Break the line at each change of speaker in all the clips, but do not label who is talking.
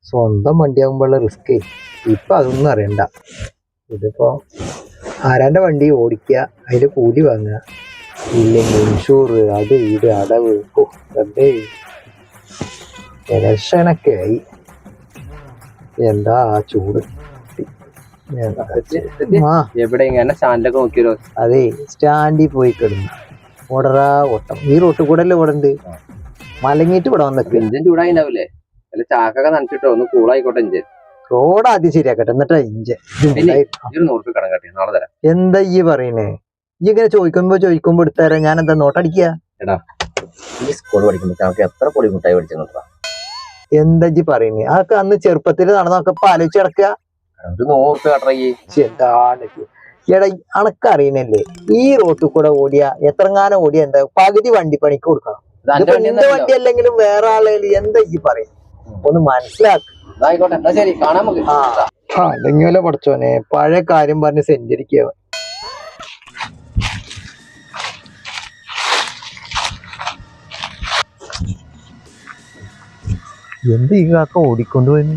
സ്വന്തം വണ്ടിയാകുമ്പോഴുള്ള റിസ്ക് ഇപ്പൊ അതൊന്നും അറിയണ്ട. ഇതിപ്പോ ആരാന്റെ വണ്ടി ഓടിക്കുക, അതിന്റെ കൂലി വാങ്ങുക, ഇല്ലെങ്കിൽ ഇൻഷൂർ, അത് ഇത് അടവ്. വെറുതെ ഇലക്ഷനൊക്കെ ആയി. എന്താ ആ ചൂട്. അതെ, സ്റ്റാൻഡിൽ പോയി കിടന്നു ഓടറാ ഓട്ടം. ഈ റോട്ടിൽ കൂടെ അല്ലേ ഇവിടെ ഉണ്ട്, മലങ്ങിട്ട് ഇവിടെ വന്നൊക്കെ.
ഇഞ്ചൻ ചൂടായിണ്ടാവില്ലേ? ചാക്കൊക്കെ നനച്ചിട്ടോ ഒന്ന് കൂളായിക്കോട്ടെ. ഇഞ്ചൻ
റോഡ് ആദ്യം ശരിയാക്കട്ടെ, എന്നിട്ടാ ഇഞ്ചൻ.
നാളെ തരാം.
എന്താ ഈ പറയണേ? ഈ ഇങ്ങനെ ചോദിക്കുമ്പോ എടുത്തരാ. ഞാൻ എന്താ നോട്ടടിക്കുക?
എടാ, ഈ സ്കൂൾ പഠിക്കുമ്പോ നമുക്ക് എത്ര പൊടി മുട്ടായി പഠിച്ചു.
എന്താ ഈ പറയുന്നേ? അതൊക്കെ അന്ന് ചെറുപ്പത്തിൽ നടന്നൊക്കെ ഇപ്പൊ ആലോചിച്ച് കിടക്കുക. എടാ, അണക്കറിയണല്ലേ, ഈ റോട്ടിൽ കൂടെ ഓടിയ എത്രങ്ങാനം ഓടിയ എന്താ പകുതി വണ്ടി പണിക്ക് കൊടുക്കണം. എന്റെ വണ്ടി അല്ലെങ്കിലും വേറെ ആളെ എന്താ ഈ പറയും? ഒന്ന് മനസ്സിലാക്കുക. അല്ലെങ്കിലോ പഠിച്ചോനെ, പഴയ കാര്യം പറഞ്ഞ് സെഞ്ചരിക്കുക. എന്ത് ഈ കാക്ക ഓടിക്കൊണ്ടുപോയി?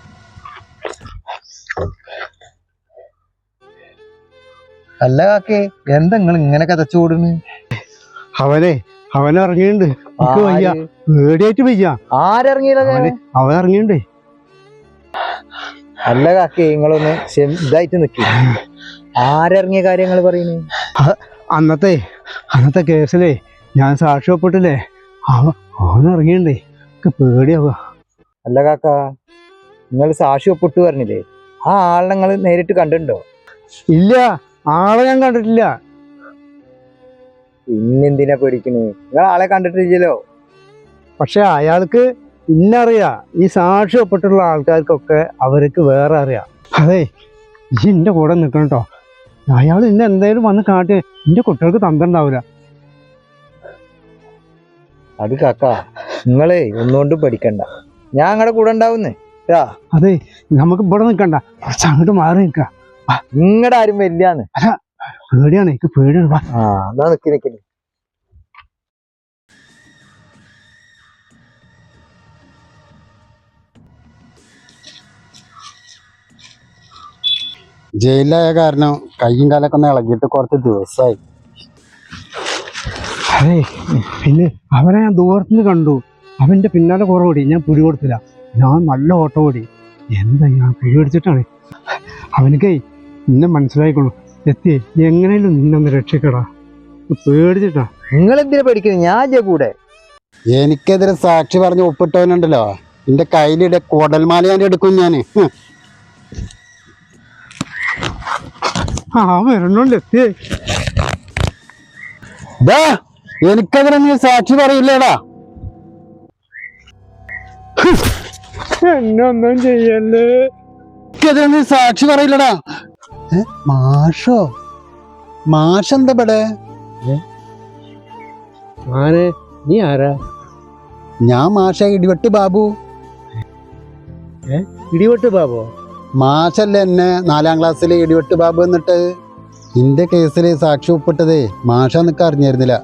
അല്ല കാക്കേ, എന്താ നിങ്ങൾ ഇങ്ങനെ കതച്ചു ഓടുന്നു?
അവൻ ഇറങ്ങിയിട്ടുണ്ട്. പേടിയായിട്ട് വയ്യ.
ആരിറങ്ങിയത്?
അവൻ ഇറങ്ങിയിണ്ടേ.
അല്ല കാക്കേ, നിങ്ങളൊന്ന് ഇതായിട്ട് നിൽക്കി. ആരിറങ്ങിയ കാര്യങ്ങൾ പറയുന്നു?
അന്നത്തെ കേസിലേ ഞാൻ സാക്ഷ്യപ്പെട്ടില്ലേ, അവൻ ഇറങ്ങിയിണ്ടേ. പേടിയാവുക.
അല്ല കാക്ക, നിങ്ങൾ സാക്ഷി ഒപ്പിട്ട് പറഞ്ഞില്ലേ, ആ ആളെ നിങ്ങൾ നേരിട്ട് കണ്ടിട്ടുണ്ടോ?
ഇല്ല, ആളെ ഞാൻ കണ്ടിട്ടില്ല.
പിന്നെന്തിനാ പേടിക്കണേ? നിങ്ങൾ ആളെ കണ്ടിട്ടില്ലല്ലോ.
പക്ഷെ അയാൾക്ക് ഇന്നറിയാ. ഈ സാക്ഷി ഒപ്പിട്ടുള്ള ആൾക്കാർക്കൊക്കെ അവർക്ക് വേറെ അറിയാം. അതെ, ഈ എന്റെ കൂടെ നിൽക്കണം കേട്ടോ. അയാൾ ഇന്ന് എന്തായാലും വന്ന് കാട്ടി എന്റെ കുട്ടികൾക്ക് തന്നിട്ടുണ്ടാവില്ല.
അത് കാക്ക, നിങ്ങളെ ഒന്നുകൊണ്ടും പഠിക്കണ്ട, ഞാൻ നിങ്ങളുടെ കൂടെ ഉണ്ടാവുന്നേ.
അതെ, നമുക്ക് ഇവിടെ നിൽക്കണ്ട, കുറച്ച് അങ്ങോട്ട് മാറി നിൽക്ക.
നിങ്ങളുടെ ആരും വരില്ലാന്ന്.
പേടിയാണ്, എനിക്ക് പേടിയാണ്.
എന്നാ നിക്കി.
ജയിലായ കാരണം കയ്യും കാലൊക്കെ ഒന്ന് ഇളകിയിട്ട് കുറച്ച് ദിവസമായി.
അതെ, പിന്നെ അവനെ ഞാൻ ദൂരത്തുനിന്ന് കണ്ടു. അവന്റെ പിന്നാലെ കുറെ ഓടി, ഞാൻ പിടി കൊടുത്തില്ല. ഞാൻ നല്ല ഓട്ടം ഓടി. എന്താ ഞാൻ പിടി പിടിച്ചിട്ടാണ്. അവനക്കേ നിന്നെ മനസ്സിലായിക്കോളൂ. എത്തിയേ എങ്ങനെയും നിന്നൊന്ന് രക്ഷിക്കടാ, പേടിച്ചിട്ടാ.
നിങ്ങൾ എന്തിനാ പേടിക്കുന്നത്? ഞാൻ കൂടെ.
എനിക്കെതിരെ സാക്ഷി പറഞ്ഞ് ഒപ്പിട്ടവനുണ്ടല്ലോ, എന്റെ കയ്യിലിടെ കുടൽമാല ഞാൻ എടുക്കും. ഞാന്
വരണോണ്ട് എത്തിയേ.
എനിക്കെതിരെ നീ സാക്ഷി പറയില്ലേടാ.
എന്നൊന്നും ചെയ്യല്ലേ.
എനിക്കെതിരെ നീ സാക്ഷി പറയില്ലടാ. മാഷെന്താ ഇവിടെ?
നീ ആരാ?
ഞാൻ മാഷ ഇടിവെട്ട് ബാബു.
ഇടിവെട്ട് ബാബു?
മാഷല്ലേ എന്നെ 4ാം ക്ലാസ്സിലെ ഇടിവെട്ട് ബാബു എന്നിട്ട് എന്റെ കേസിൽ സാക്ഷി ഒപ്പിട്ടതേ മാഷെന്നൊക്കെ അറിഞ്ഞിരുന്നില്ല.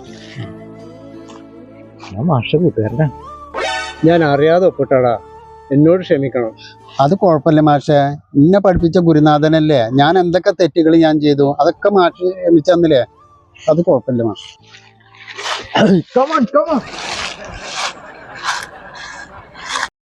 ഞാൻ അറിയാതെ ഒപ്പിട്ടാടാ, എന്നോട് ക്ഷമിക്കണം.
അത് കുഴപ്പമില്ല മാഷെ, എന്നെ പഠിപ്പിച്ച ഗുരുനാഥനല്ലേ. ഞാൻ എന്തൊക്കെ തെറ്റുകൾ ഞാൻ ചെയ്തു അതൊക്കെ മാഷ് ക്ഷമിച്ചന്നില്ലേ, അത് കുഴപ്പമില്ല മാഷ്.